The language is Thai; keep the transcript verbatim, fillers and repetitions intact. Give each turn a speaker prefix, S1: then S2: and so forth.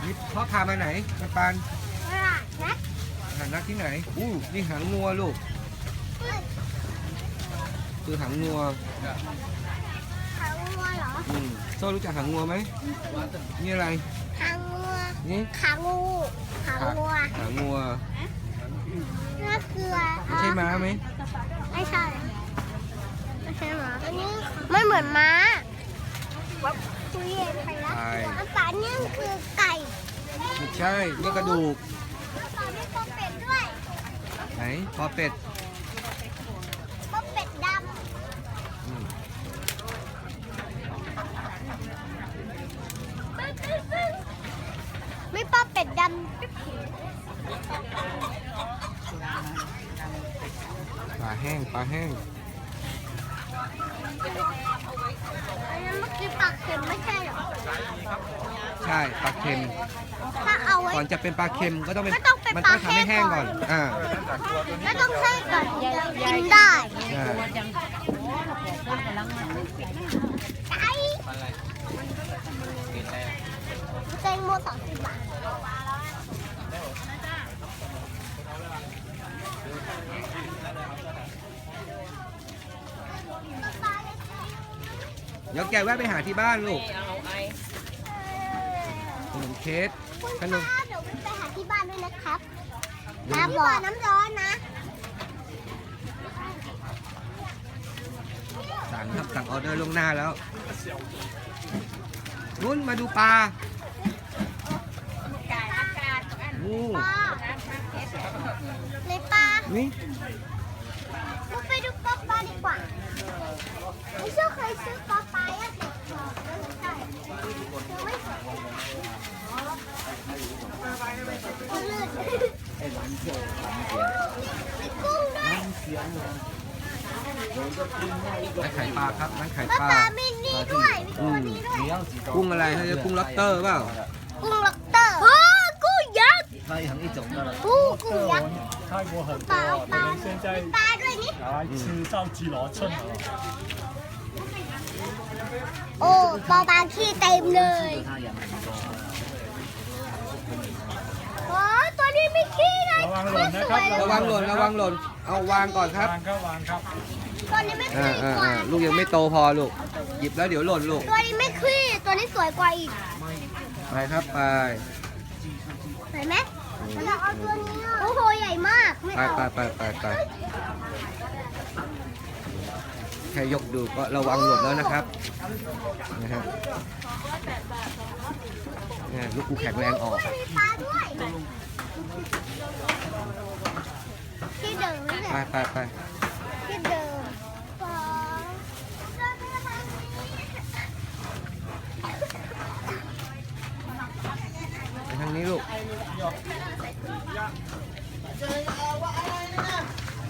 S1: นี่พ่อพามาไหนมาปาน
S2: ตลาดนัด
S1: หางนักที่ไหนอู้นี่หางงัวลูกคือหางงัว
S2: หางงัวเหรอ
S1: อืมโซ่รู้จักหางงัวไหมนี่อะไร
S2: หางงัว
S1: นี่
S2: ขางูหางงัว
S1: หางงัว
S2: เนื้อเกลือ
S1: ไม่ใช่ม้าไหม
S2: ไม่ใช่ไม่ใช่ม้าอันนี้ไม่เหมือนม้าคุยเย็นไปแล้วอันป่านี่คือไก่
S1: ไม่ใช่นี่กระดูก
S2: ป่าไม่ปอเป็ดด้วย
S1: ไหนปอเป็ด
S2: ปอเป็ดด
S1: อืม
S2: ำไม่ปอเป็ดดำ
S1: ปลาแห้งปลาแห้ง
S2: อันนั้นเมื่อกี้ปลาเค็มไม่ใช่เหรอ
S1: ใช่ปลาเค็ม
S2: ถ้าเอาไว้
S1: ก่อนจะเป็นปลาเค็มก็ต้องเป็น
S2: ก็ต้องเป็น
S1: มัน
S2: ป
S1: ต้
S2: ลา
S1: องทำให้
S2: แห้
S1: แห้
S2: ง
S1: ง
S2: ก่
S1: ก่
S2: อ
S1: อน นอ่า
S2: ก็ต้องใช้ก่อนถึงจะกินได้
S1: อ่า
S2: ไก่แตงโมสองสิบบาท
S1: เดี๋ยวแกแวะไปหาที่บ้านลูกขนมเค้ก
S2: คุณ
S1: ขนม
S2: ป้าเดี๋ยวไปหาที่บ้านด้วยนะครับน้ำบอกน้ำร้อนนะ
S1: สั่งครับสั่งออเดอร์ล่วงหน้าแล้วนุ่นมาดูปลาอู้
S2: ป้าในปลา
S1: นี่
S2: เราไปดูปลาปลาดีกว่าไม่เชื่อเคยซื้อปลาปลาอ่ะแต่ไม่ใช่ยังไม่เคยลื่นมีกุ้งด้วย
S1: ร้านขายปลาครับร้านขาย
S2: ปลา
S1: ปลา
S2: ปลามีนี่ด้วยมี
S1: อื
S2: ตัว
S1: ม
S2: นี้ด้วย
S1: กุ้งอะไรเขาเรียกกุ้งล็อบสเตอร์เปล่า
S2: กุ้งล็อกเตอร์โอ้กุ้งยักษ์
S3: 那也很一种的了。
S2: กุ้งกุ้งยักษ์
S4: 泰国很
S2: ป
S4: 多
S2: ลา
S4: 啊，
S2: ปลา
S4: 我们现在
S2: ปลาด้วยนี่
S4: 来吃到基罗村了。
S2: โอ้ปลาปลาขี้เต็มเลย
S3: 它也蛮多。
S2: โอ้ตัวนี้ไม่ขี้เลย
S4: ระวังหล่นนะครับ
S1: ระวังหล่นระวังหล่นเอาวางก่อนครับ
S4: วางครับวางครับ
S2: ตัวนี้ไม่
S1: อ่า
S2: ขี้
S1: อ่าก
S2: ว่า
S1: อ่าลูกยังไม่โตพอลูกหยิบแล้วเดี๋ยวหล่นลูก
S2: ตัวนี้ไม่ขี้ตัวนี้สวยกว่าอีก
S1: ไปครับไป
S2: เห็นไหมเราเอาตัวนี้โอ้โหใหญ่มากไม่
S1: ไป
S2: เอา
S1: ไปไปไปไปแค่ยกดูก็ระวังหล่นแล้วนะครับนะครับเนี่ยลูกกูแข็งแรงออก
S2: มีปลาด้วยที่เดิมนี่แห
S1: ไป
S2: ละ
S1: ไปไป
S2: ที่เดิมปลาเดินไปทางนี้
S1: ไปทางนี้ลูก